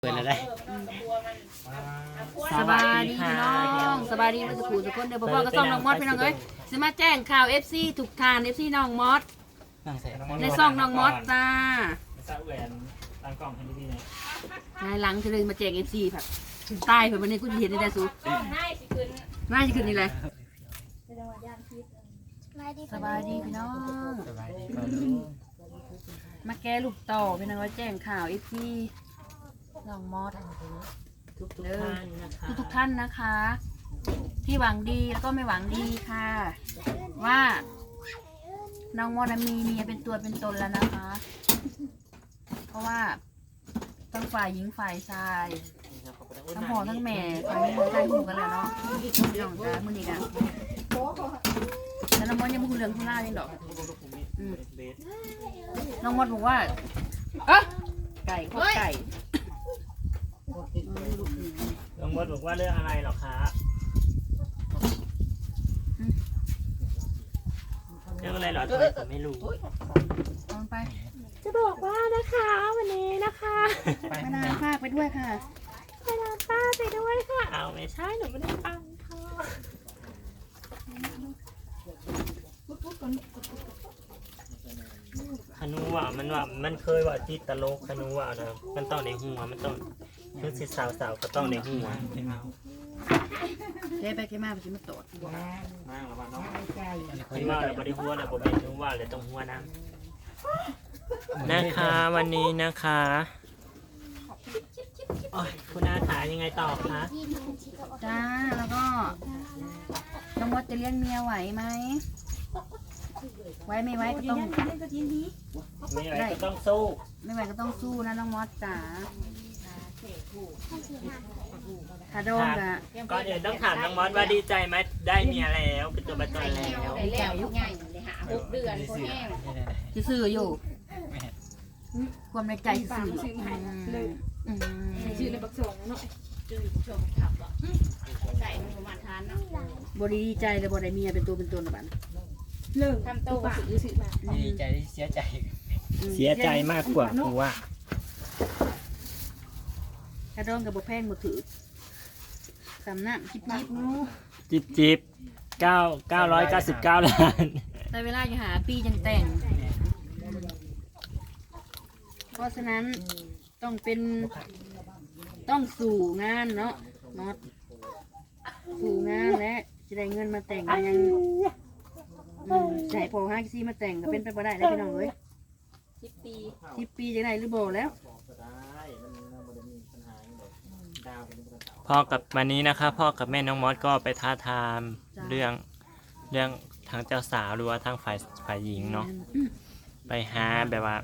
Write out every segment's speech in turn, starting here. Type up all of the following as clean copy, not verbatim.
เปิดแล้วได้สบายดีพี่น้องสบายดีมาสุขุทุกคนเดี๋ยวพ่อก็ส่องน้องมอสพี่น้องเอ้ยสิมาแจ้งข่าว FC ทุกทาน FC น้องมอสในซ่องน้องมอสจ้าซาแหวนตั้งกล้องให้ดีๆหน่อยนายหลังจะเลยมาแจ้ง FC ผัดตายเผื่อวันนี้กูจะเห็นในแต่สูน่าจะขึ้นนี่เลยสบายดีพี่น้องมาแก้ลูกต่อพี่น้องว่าแจ้งข่าว FC น้องมอสทุกท่านนะคะที่หวังดีแล้วก็ไม่หวังดีค่ะว่าน้องมอสมีเมียเป็นตัวเป็นตนแล้วนะคะเพราะว่าทั้งฝ่ายหญิงฝ่ายชายทั้งพ่อทั้งแม่ฝ่ายนี้มันใกล้หูกันแล้วเนาะเรื่องจ้ามันอีกอ่ะแล้วน้องมอสยังไม่คุยเรื่องคุล่ายังดอกน้องมอสบอกว่าไก่ข้อไก่น้องมดบอกว่าเรื่องอะไรหรอคะเรื่องอะไรหรอทำไมผมไม่รู้ไปจะบอกว่านะคะวันนี้นะคะไปนาภาคไปด้วยค่ะไปนอนป้าไปด้วยค่ะเอาไม่ใช่หนูไม่ได้ฟังค่ะขนูว่ามันเคยว่าที่ตลกขนูว่านะมันต้องในหัวมันต้องคือสิสาวก็ต้องในหัวเจ๊ไปเจ๊มาไปชิมมาโตดมากหรอวะน้องที่ว่าเราบริหัวเราบริหัวเลยต้องหัวน้ำนะคะวันนี้นะคะคุณอาถายังไงต่อคะจ้าแล้วก็น้องมดจะเลี้ยงเมียไหวไหมไว้ไม่ไว้ก็ต้องไม่ไหวก็ต้องสู้ไม่ไหวก็ต้องสู้นะน้องมดจ๋าคาโดงกะก่อนอื่นต้องถามน้องมอสว่าดีใจไหมได้เมียแล้วเป็นตัวเป็นตนแล้วได้แล้วยุคใหญ่เลยค่ะ6 เดือนคนแห้งซื่ออยู่ความในใจซื่อชื่อในบักส่งเนาะชื่อบักส่งขับใส่มันประมาณทานเนาะบดีใจเลยบได้เมียเป็นตัวเป็นตนแบบนั้นเลิกทำโตซื้อมาดีใจเสียใจเสียใจมากกว่าคือว่าคาโดงกับบุแพงบุถือสำนักจิบ999 ล้านแต่เวลาจะหาปีจังแต่งเพราะฉะนั้นต้องสู่งานเนาะน็อตสู่งานและจะได้เงินมาแต่งยังใส่พอ5 4มาแต่งก็เป็นไปบ่ได้แล้วพี่น้องเอ้ย10 ปีจะได้หรือบ่แล้วพ่อกับวันนี้นะคะพ่อกับแม่น้องมอสก็ไปท้าทามเรื่องทางเจ้าสาวหรือว่าทางฝ่ายหญิงเนาะไปหาแบบว่า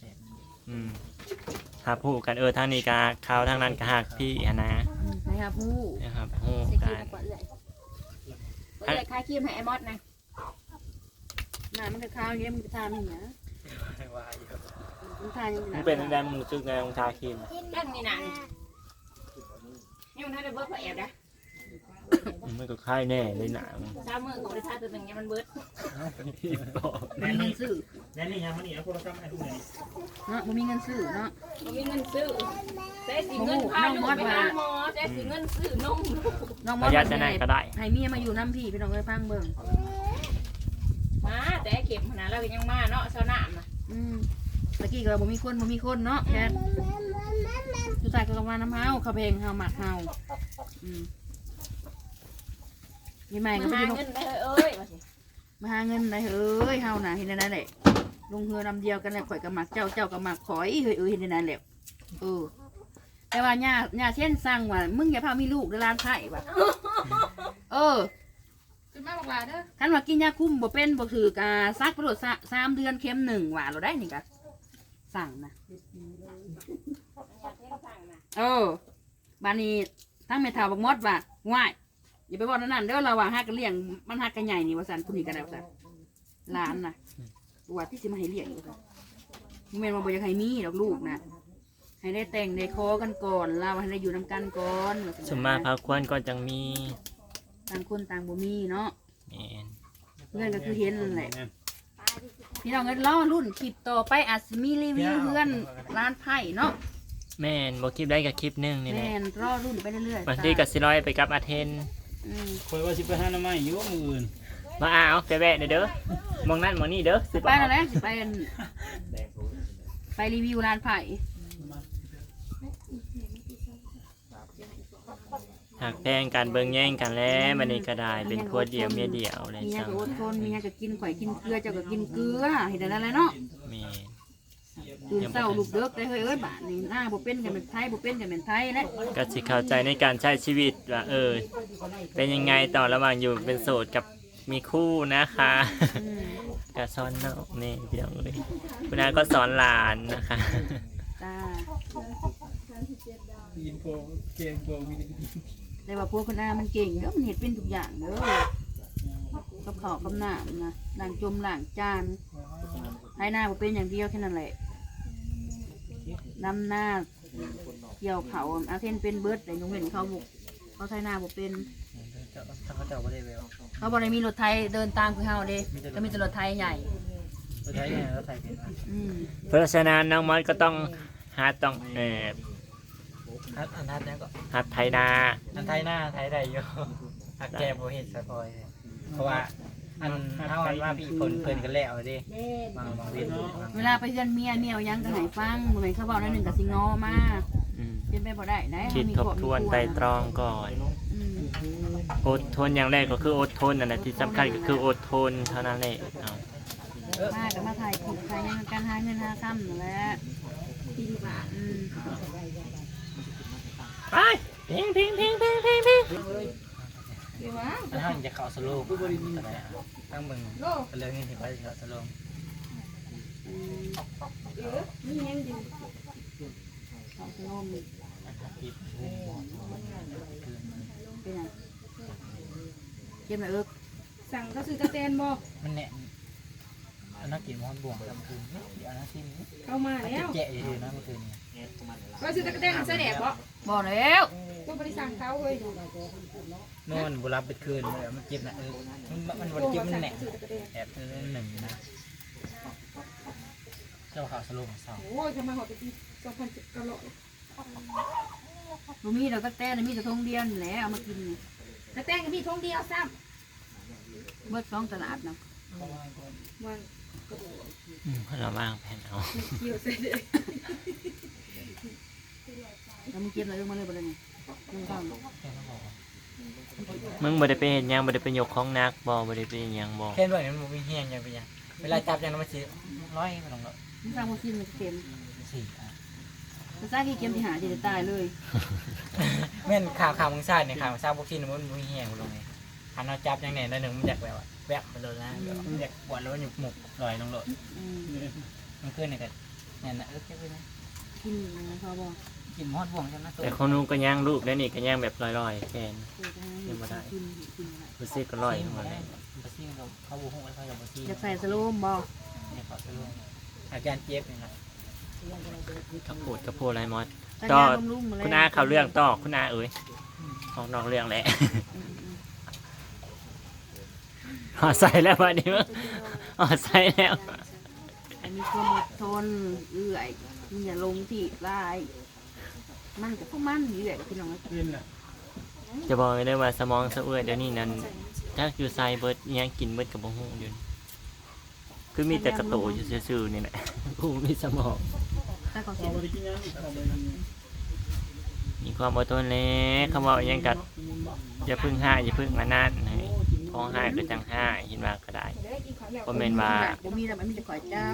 หาผู้กันทางนี้กะเขาทางนั้นกะหักพี่นะนะครับผู้กันคาคิมให้ไอ้มอสนะมันจะข้าวเงี้ยมันจะทานอย่างเงี้ยมึงเป็นแดงมึงรู้สึกไงมึงทาครีมนั่นนี่นะนี่มันได้เบิร์ดพอแอบนะมันก็ค่ายแน่เลยหนาเช้าเมื่อกูได้ทาตัวหนึ่งเนี่ยมันเบิร์ดมีเงินซื้อแน่นี่ยังมันนี่นะพวกเราทำให้ทุกอย่างเนาะมีเงินซื้อเนาะมีเงินซื้อแต่สีเงินพาลูกไปหาหมอแต่สีเงินซื้อนมน้องมอสจะไหนก็ได้ให้เมียมาอยู่น้ำพี่พี่น้องเลยพังเบิ่งมาแต่เข็มขนาดเรายังมาเนาะเช้าหน้ามาตะกี้ก็บ่มีคนเนาะแค่สุดท้ายก็กำลังน้ำเฮาข้าวเพลงเฮาหมักเฮามีใหม่ก็มาหาเงินได้เอ้ยมาหาเงินได้เอ้ยเฮาน่ะเห็นได้แหละลงเฮือนำเดียวกันแหละข่อยกับหมักเจ้ากับหมักข่อยเฮ้ยเห็นได้แหละแต่ว่าย่าเช่นสั่งว่ามึงอย่าพามีลูกในร้านไผ่ว่ะคุณแม่บอกลาเด้อคันว่ากินยาคุมบ่เป็นบ่ถือกซักประโยชน์3 เดือนเข็ม1ว่าเราได้นี่กะสั่งนะบานนี้ทั้งเมทาบักมดว่าง่ายอย่าไปบอกนั่นเด้อเราว่าฮักกันเลี้ยงมันฮักกันใหญ่นี่ว่าสันคุณนี่กันแล้วสันล้านนะว่าที่สิมาให้เลี้ยงอยู่สันมึงเป็นมาบอกอยากให้มีดอกลูกนะให้ได้แต่งได้คอกันก่อนเราให้ได้อยู่นำกันก่อนสมมาพาควรก็จังมีต่างคนต่างบ่มีเนาะเงินก็คือเห็นนั่นแหละพี่น้องเงินล้อรุ่นคลิปต่อไปอาจจะมีรีวิวเพื่อนร้านไผ่เนาะแม่นบ่คลิปได้กับคลิปหนึงนี่แหแม่ละนรอรุ่นไปเรื่อยๆบางทีก็สิร้อยไปกับอาเทนคอยว่าสิไปหาหน้าไม้อยู่มื้ออื่นมาเอาไปแวะเด้อมองนั่นมองนี่เด้อสิไปแล้วแหละสิไปอันไปรีวิวร้านไผ่หักแพงกันเบิ่งแย่งกันแล้วมันนี่ก็ได้เป็นผัวเดียวเมียเดียวเลยมีหยังจังก็อดทนมีหยังก็กินข่อยกินเกลือเจ้าก็กินเกลือเห็นได้แล้วเนาะแม่ตื่นเช้าลูกเด็กได้เฮ้ยเอ้ยบาดนี่หน้าบ่เป็นกันเป็นไทยบ่เป็นกันเป็นไทยแหละก็สิเข้าใจในการใช้ชีวิตว่าเป็นยังไงต่อระหว่างอยู่เป็นโสดกับมีคู่นะคะอืมก็สอนน้องนี่พี่น้องเลยคุณอาก็สอนหลานนะคะจ้ายินโปเกมโปมีแต่ว่าพวกคนอามันเก่งเด้อมันเฮ็ดเป็นทุกอย่างเด้อกับข้าวกับน้ำนะล้างจมล้างจานให้หน้าบ่เป็นอย่างเดียวแค่นั้นแหละนำหน้าเกี่ยวเขาอาเทนเป็นเบิดแต่ยงเว้นเขาบุกเขาใช้หน้าบ่เป็นถ้าเขาเจ้าบ่ได้แววเขาบ่ได้มีรถไทยเดินตามคือเฮาเด้ก็มีแต่รถไทยใหญ่รถไถเนี่ยรถไถเป็นอืมเพราะฉะนั้นน้องมอสก็ต้องหาต้องอันทัดเนี่ยก็หัดไทยนาอันไทยหน้าไทยได้อยู่หักแกบ่เห็นสะพอยเพราะว่าอันเฮาอันว่าพี่เพิ่นกันแล้วเด้บางเว้นเวลาไปเฮือนเมียเอาหยังก็ให้ฟังบ่แม่นเขาเว้าได้หนึงก็สิงอมาอืมเป็นไปบ่ได้นะคิดทบทวนไตรตรองก่อนอืมอดทนอย่างแรกก็คืออดทนนั่นแหละที่สำคัญก็คืออดทนเท่านั้นแหละเอามาก็มาถ่ายคลิปถ่ายหยังการหาเงินหาค่ำนั่นแหละอืมไปเพลงเพลงเพลงเพลงเพลงเพลงอันเฮาจะเข้าสโลว์อะไรตั้งเบิ่งเรื่องนี้สิไปเข้าสโลว์เอาขนมเป็นไงเก็บหน่อยเอิกสั่งเขาซื้อกระเตนบ่มันแน่อันนั้นกินมันบ่วงกันคืนเดี๋ยวนะที่นี้เข้ามาแล้วแกะอยู่นะเมื่อคืนนี้เขาซื้อกระเตนเสด็จบ่บอกแล้วก็บริสั่งเขาเลยนอนบุรับเป็นคืนเลยมันเจ็บนะมันวันเจ็บมันแหนแอบหนึ่งนะเจ้าข่าวสโลว์ของเสาโอ้ยทำไมหอดไปที่2,000กะโหลบ่มีดอกตะแต้มีแต่ทงเดียวนี่แหละเอามากินนี่กระเตนก็มีทงเดียวซ้เบิด2ตลาดนะำมันเราบ้างแผ่นเอาเกี่ยวเสด็จแล้วมึงเก็บหน่อยเอิกมาเลยบ่ได้นี่มึงฟังมึงบ่ได้ไปเห็นยังบ่ได้ไปยกของนักบ่ได้ไปเฮ็ดหยังบ่แค่ด้วยมันมีแห้งยังเป็นยังเวลาจับยังมันสิร้อยมันลงแล้วมึงฟังบ่กินมันเค็มสี่มันซ่ากี่เค็มที่หาสิได้ตายเลยแม่นข่าวมึงซ่าเนี่ยข่าวมึงซ่าพวกที่มันมีแห้งลงไงอันเราจับยังเนี่ยหนึ่งมันอยากแบบแวบไปเลยนะมันอยากปวดแล้วมันอยู่หมุกลอยลงเลยอืมมันขึ้นเนี่ยกันเนี่ยนะแค่ไปนะกินนะพอบ่กินมอดบ่วงใช่ไหมตัวแต่ของนู้นก็ย่างรูปแล้วนี่ก็ย่างแบบลอยๆแฟนกินอะไรรู้สึกก็ลอยมาเลยบัซี่เขาบุกห้องไว้เขาอย่าบัซี่อยากใส่สโลมบ่เนี่ยเขาจะลงอาการเจ็บเนี่ยนะกระโปดกระโปดอะไรมอสก็ต่อย่างลุ่มๆมาเลยคุณอาเข้าเรื่องต่อคุณอาออกนอกเรื่องแหละ หอใส่แล้ววันนี้มั้งหอใส่แล้วแต่มีความอดทนเอื่อยมันอย่าลงที่ลายมันกับพวกมันเอื่อยกับพี่น้องนะขึ้นแหละจะบอกเลยว่าสมองสะเอื้อยเดี๋ยวนี้นั้นถ้าอยู่ไซเบิร์ดอิหยังกินเบิร์ดกับบ่ฮู้อยู่คือมีแต่กระโตอยู่ซื่อๆนี่แหละ ผู้มีสมองแต่ก็เสียมีความอดทนแล้วคำว่าอิหยังกัดอย่าพึ่งห้าอย่าพึ่งอันนั้นให้ของห้าก็จังห้าเห็นว่าก็ได้บ่แม่นว่าบ่มีแต่มันมีแต่ข่อยเจ้า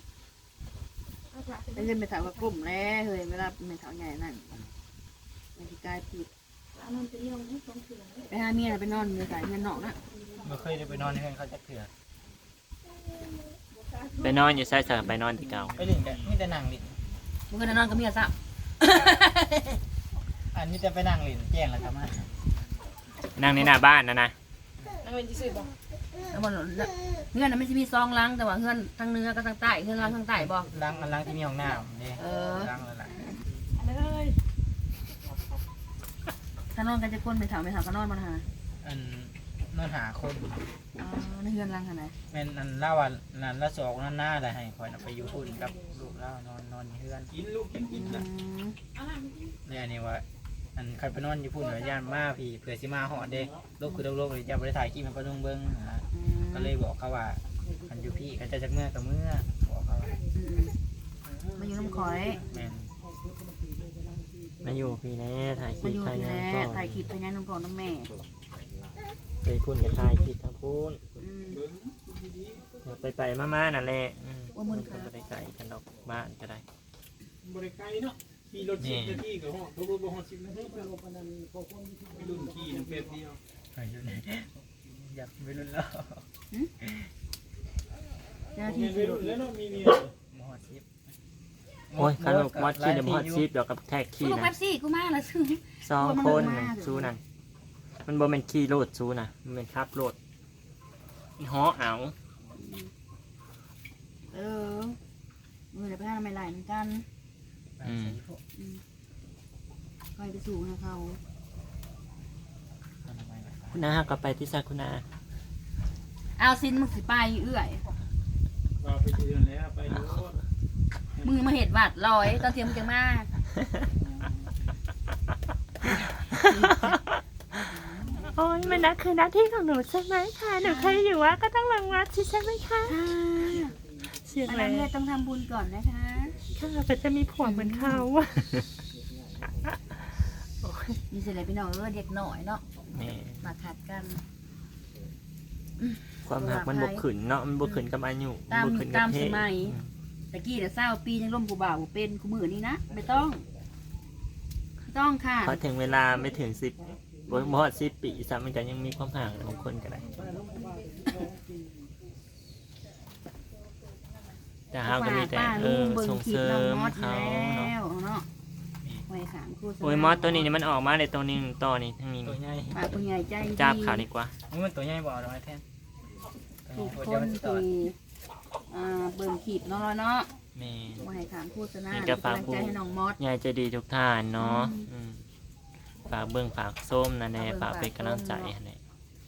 ได้เงินไปถามว่ากลุ่มแล้วเฮ้ยเวลาเป็นถามใหญ่นั่นมันสิกลายผิดไปหาเมียน่ะไปนอนอยู่สายเงินนอกนะไม่เคยได้ไปนอนในห้องเขาจะเถื่อไปนอนอยู่ไซส์ไปนอนที่เก่าไปดิ่งกันมีแต่นั่งดิ่งมึงก็นอนกับเมียซะอันนี้จะไปนั่งดิ่งแจ้งแล้วครับมานั่งในหน้าบ้านนะนั่งเป็นที่สุดบ่แล้วบ่เงื่อนน่ะมันสิมี2หลังแต่ว่าเงื่อนทางเหนือกับทางใต้เงื่อนหลังทางใต้บ่ล้างที่มีห้องน้ำนี่เออล้างแล้วล่ะเลยถ้านอนกันจะคนไปถามก็นอนบ่หาอันนอนหาคนอ๋อในเงื่อนหลังหั่นน่ะแม่นอันเล่าว่านั่นละสองนั่นหน้าอะไรให้คอยไปอยู่พุ่นกับลูกแล้วนอนอยู่เฮือนกินลูกกินนะเนี่ยอันนี้ว่าอันคันไปนอนอยู่พุ่นย่านมาพี่เผื่อสิมาหอดเด้ลูกคือลูกเลยจะบ่ได้ถ่ายคลิปมันปะนุ่งเบิ่งก็เลยบอกเขาว่าคันอยู่พี่เขาจะจักเมื่อกับเมื่อบอกเขาว่ามาอยู่น้ำข่อยแม่นมาอยู่พี่แน่ถ่ายคมาลิปอยู่ถ่ายที่งานแล้ก่อนถ่ายคลิปไปงานน้ำก่อนน้ำแม่ไปพุ่นกับถ่ายคลิปทั้งพุ่นอืมเดี๋ยวไปมาๆนั่นแหละว่ามึงค่ะก็ไปไกลกันดอกบ้านก็ได้บริไกลเนาะขี่รถ10 นาทีกับห้องรถบ่ฮอด10 นาทีไปรุ่นขี่น้ำเป็ดเดียวอยู่ไหนอยากไปรุ่นแล้วเจ้าหน้ามีที่รุ่นแล้วเนาะมีเมียมอชิปโอ้ยขนมมอดขี้เดี๋ยวมอดชีพเดี๋ยวกับแท็กกูขี้ลูกนะแป๊บซี่กูมาแล้วซื้อ 2 คนซูนั่นมันบ่เป็นขี้โลดซูนะมันเป็นครับโลดฮ้อเอาเออมือเดี๋ยวไปหาไม่ไหลเหมือนกันคอยไปสู่นะเขาคุณอาก็ไปที่ซาคุณอาเอาซินมึงสิไปเอื้อยเราไปเดือนแล้วไปรถมึงมาเห็ดวัดลอยตอนเทียมมึงจะมาโอ้ยมันนะคือหน้าที่ของหนูใช่ไหมคะหนูเคยอยู่ว่าก็ต้องรังวัดใช่ไหมคะเสียงอันแรนั้นงเนี่ยต้องทำบุญก่อนนะคะค่ะแต่จะมีผัวเหมือนเขามีเสร็จแล้วพี่น้องเด็กหน่อยเนาะนี่มาขัดกันความหักมันบกขืนเนาะมันบกขืนกับอายุตามบกขืนกับเพศตะกี้เดี๋ยวเศร้าปียังร่มกูบ่าวกูเป็นกูมือนี้นะไม่ต้องค่ะพอถึงเวลาไม่ถึง10บ่ฮอด10 ปีซ้ำมันก็ยังมีความห่างของคนก็ได้แต่เขาก็มีแต่ป้าลุงเบิ่งส่งคลิเสปริน้องมมอสเขาแล้เนาะวเนาะไว้ขางคู่โอ้ยมอสตัวนี้นี่มันออกมาในตัวนี้ต่อนี่ทั้งนี้ตัวใหญ่ปากผู้ใหญ่ใจดีจับขาดีกว่ามันตัวใหญ่บ่เอาดอกไม้แทนทุกคเดี๋ยวน มันสิตอดที่เบิ่งคลิปเนาะเนาะแม่ไว้ขางโฆษณานี่เป็นก็ฝากกำลังใจให้น้องมอสยายใจดีทุกท่านเนาะฝากเบิ่งฝากส้มนะแน่ฝากเป็นกำลังใจให้แน่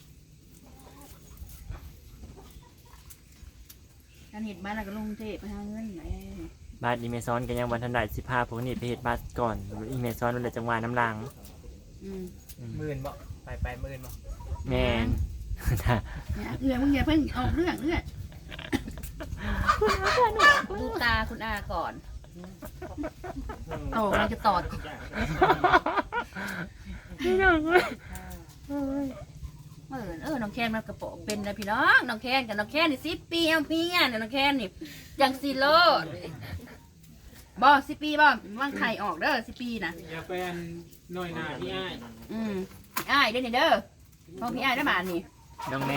การเห็ดบ้านเราก็ลงเทพไปหาเงินไหนบาสอีเมซอนก็ยังวันทันได้15พวกนี้ไปเฮ็ดบาสก่อนอีเมซอนมันเลยจังหวะน้ำลังมื่นบ่ไปมื่นบ่แม่นเนี่ยเอื้อมึงอย่าเพิ่งออกเรื่องเอื้อดูตาคุณอาก่อนโอ้มันจะตอดพี่น้องเว้ยน้องแคนมันกระโปงเป็นนะพี่น้องน้องแคนกับน้องแคนนี่10 ปีเอาพี่เนี่ยน้องแคนนี่จังซีโร่บ่10 ปีบ่ว่างไข่ออกเด้อ10 ปีนะอย่าไปอันน้อยหน้าพี่อ้ายพี่อ้ายเด้อนี่เด้อพอพี่อ้ายได้บาทนี่น้องแม่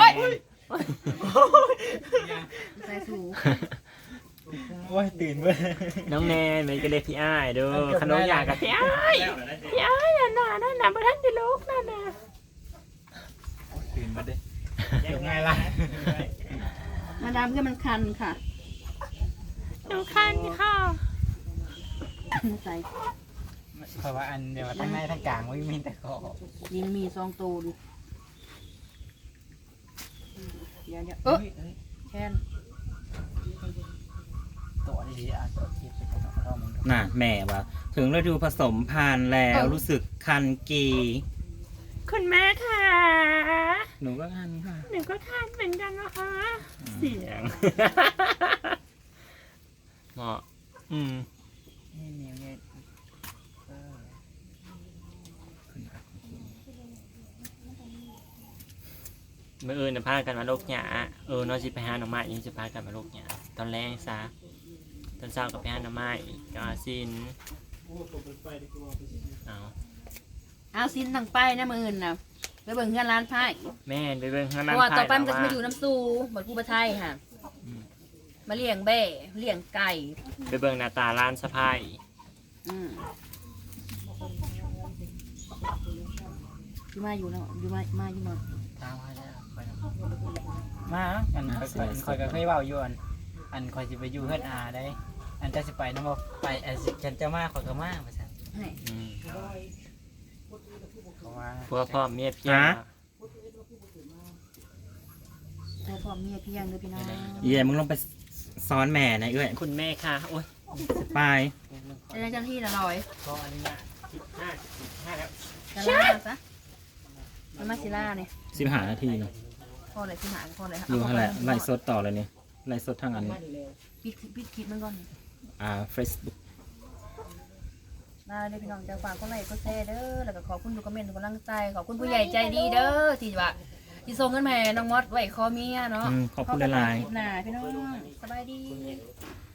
ใส่สูโอ้ยตื่นเว้ยน้องแน่มันก็เลยพี่อ้ายเด้อขนมอยากกับพี่อ้ายน่ะนั่นน่ะบ่ทันได้ลูกนั่นน่ะตื่นมาเด้เดี๋ยวไงล่ะมาดามก็มันคันค่ะหนูคันค่ะใส่เพราะว่าอันเดี๋ยวทั้งในทั้งกลางไม่มีแต่คอยิงมี2 ตัวดูเดี๋ยวแคนตัวดีๆอ่ะตัวคิดไปก่อนเรามันน่ะแม่ว่าถึงฤดูผสมพันธุ์แล้วรู้สึกคันกีคุณแม่ค่ะหนูก็คันค่ะหนูก็คันเหมือนกันนะคะเสียงเหมาะนี่เนี่ยเมื่อน่ะพากันมาโลกหยาน้องสิไปหาหน่อไม้ยังสิพากันมาโลกหยาตอนแรกซะตอนเช้าก็ไปหาหน่อไม้กาซินเอาซินตั้งไปนะมื้ออื่นน่ะไปเบิ่งเฮือนร้านไผ่แม่นไปเบิ่งข้างเพนั้นราะว่าต่อไปมันก็จะมาอยู่น้ำซูบัดกูประไทยค่ะมาเลี้ยงแบ่เลี้ยงไก่ไปเบิ่งหน้าตาร้านสะพายอยู่มาอยู่เนาะอยู่มาอยู่มาตามมาแล้วมาอันคอยก็เคยเว้าอยู่อันคอยสิไปอยู่เฮือนอาได้อันจะสิไปนำบ่ไปฉันจะมาคอยก็มาว่าซั่น เขาว่าพวกพ่อเมียเพียงใช่พ่อเมียพี่ยังเด้อพี่น้องเย่มึงลงไปซ้อนแม่นะเอ้ยคุณแม่ค่ะโอ๊ยไปจะได้เจ้าหน้าที่ละร้อยขออนุญาต15แล้วจะล่าซะมันมาซิล่าเนี่ย 15 นาทีเนาะพอเลยที่หาพอเลยครับอยู่หั่นแหละไลฟ์สดต่อเลยนี่ไลฟ์สดทางอันปิดคลิปมันก่อน Facebook มาเด้อพี่น้องจะฝากก็ไลค์ก็แชร์เด้อแล้วก็ขอบคุณทุกคอมเมนต์ทุกกำลังใจขอบคุณผู้ใหญ่ใจดีเด้อที่ว่าที่ส่งเงินมาให้น้องมอสไว้คอเมียเนาะขอบคุณหลายๆๆหน้าพี่น้องสบายดีค